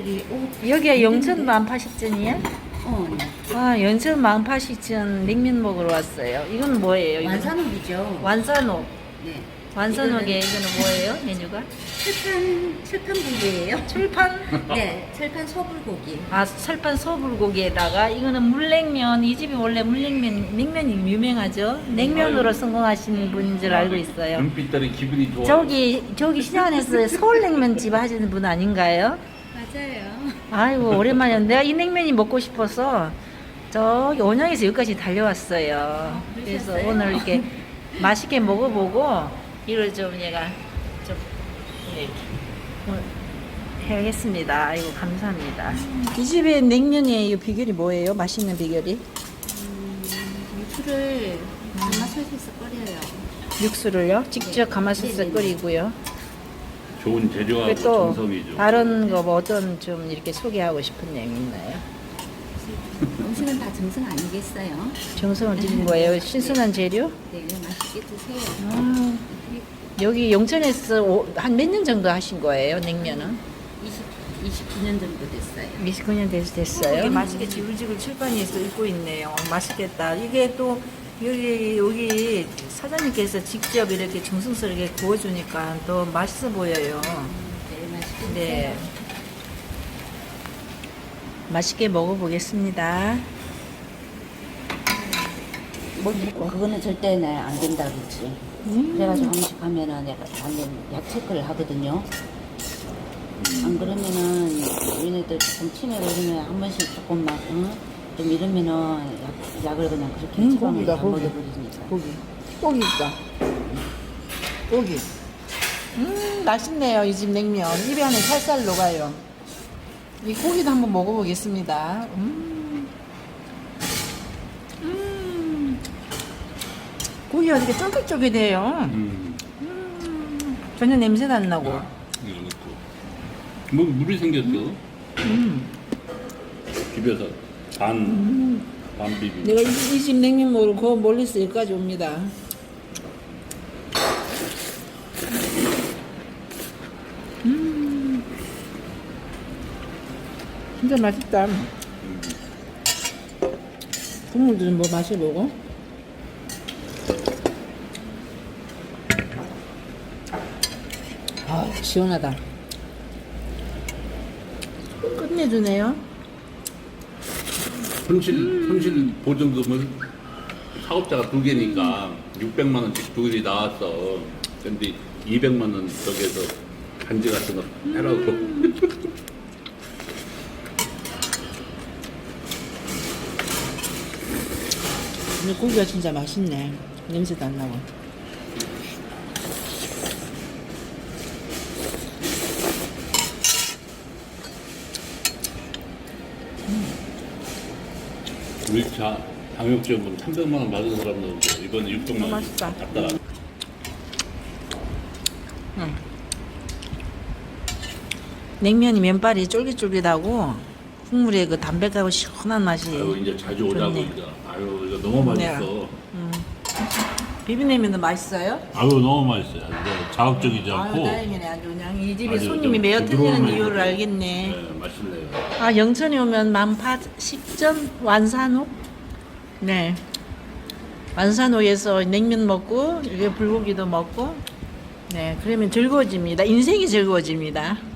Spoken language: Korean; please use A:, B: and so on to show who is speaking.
A: 여기 옷.
B: 여기가 영천 만파식전이야?
A: 네.
B: 아, 영천 만파식전 냉면 먹으러 왔어요. 이건 뭐예요? 이건?
A: 완산옥이죠.
B: 완산옥.
A: 네.
B: 완산옥에 이거는 뭐예요? 메뉴가?
A: 철판고기예요.
B: 철판?
A: 네, 철판 소불고기.
B: 아, 철판 소불고기에다가 이거는 물냉면. 이 집이 원래 물냉면, 냉면이 유명하죠. 냉면으로 성공하신 분인 줄 알고 있어요.
C: 눈빛들이 기분이 좋아.
B: 저기 시장 안에서 서울냉면집 하시는 분 아닌가요?
A: 맞아요.
B: 아이고 오랜만이야. 내가 이 냉면이 먹고 싶어서 저기 원양에서 여기까지 달려왔어요. 그래서
A: 그러셨어요?
B: 오늘 이렇게 맛있게 먹어보고 이걸 좀 얘가 좀 이렇게 해야겠습니다. 아이고 감사합니다. 이 집의 냉면의 이 비결이 뭐예요? 맛있는 비결이?
A: 육수를 가마솥에서 끓여요.
B: 육수를요? 직접
A: 네.
B: 가마솥에
A: 네네네.
B: 끓이고요.
C: 좋은 재료하고
B: 그리고 또
C: 정성이죠.
B: 다른 거 뭐 어떤 좀 이렇게 소개하고 싶은 내용 있나요?
A: 음식은 다 정성 아니겠어요?
B: 정성을 들인 거예요. 신선한 재료?
A: 네, 맛있게 드세요.
B: 아, 여기 영천에서 한 몇 년 정도 하신 거예요, 냉면은?
A: 29년 정도 됐어요.
B: 29년 됐어요.
D: 이게 맛있게 지글지글 칠판에서 입고 있네요. 맛있겠다. 이게 또 여기 사장님께서 직접 이렇게 정성스럽게 구워주니까 더 맛있어 보여요.
A: 네, 맛있게
B: 네.
A: 드세요.
B: 맛있게 먹어보겠습니다.
A: 그거는 절대 안 된다 그랬지. 그래가지고 음식 하면은 내가 완전 약 체크를 하거든요. 안 그러면은 얘네들 조금 치매 걸리면 한 번씩 조금만 좀 이러면은 약을 그냥 그렇게 처방을 다 먹여버리니까.
B: 고기 있다. 고기. 맛있네요, 이 집 냉면. 입에 안에 살살 녹아요. 이 고기도 한번 먹어보겠습니다. 고기가 되게 쫄깃쫄깃해요. 전혀 냄새도 안 나고.
C: 이거 넣고. 뭐 물이 생겼어. 비벼서 반 비빔.
B: 내가 이 집 냉면 먹으러 그 멀리서 여기까지 옵니다. 진짜 맛있다. 국물도 좀 뭐 마셔보고. 아, 시원하다. 끝내주네요.
C: 손실 보증금은 사업자가 두 개니까 600만 원씩 두 개이 나왔어. 근데 200만 원 저기에서 반지 같은 거 해라고.
B: 근데 고기가 진짜 맛있네. 냄새도 안 나고.
C: 우리 방역지원금 300만 원 받은 사람도 이번에 600만 원
B: 맛있다.
C: 갖다가
B: 냉면이 면발이 쫄깃쫄깃하고 국물에 그 담백하고 시원한 맛이.
C: 아유 이제 자주 오자고
B: 좋네.
C: 이제. 아유 이거 너무
B: 네.
C: 맛있어.
B: 비빔냉면도 맛있어요?
C: 아유 너무 맛있어요. 이제 자극적이지
B: 아유
C: 않고.
B: 다행이네. 아주 그냥 이 집에
C: 아주
B: 손님이
C: 좀
B: 매어 틀리는
C: 부드러운
B: 이유를
C: 맛이고.
B: 알겠네.
C: 네, 맛있네요.
B: 아, 영천에 오면 만파식전 완산옥? 네. 완산옥에서 냉면 먹고 이게 불고기도 먹고 네, 그러면 즐거워집니다. 인생이 즐거워집니다.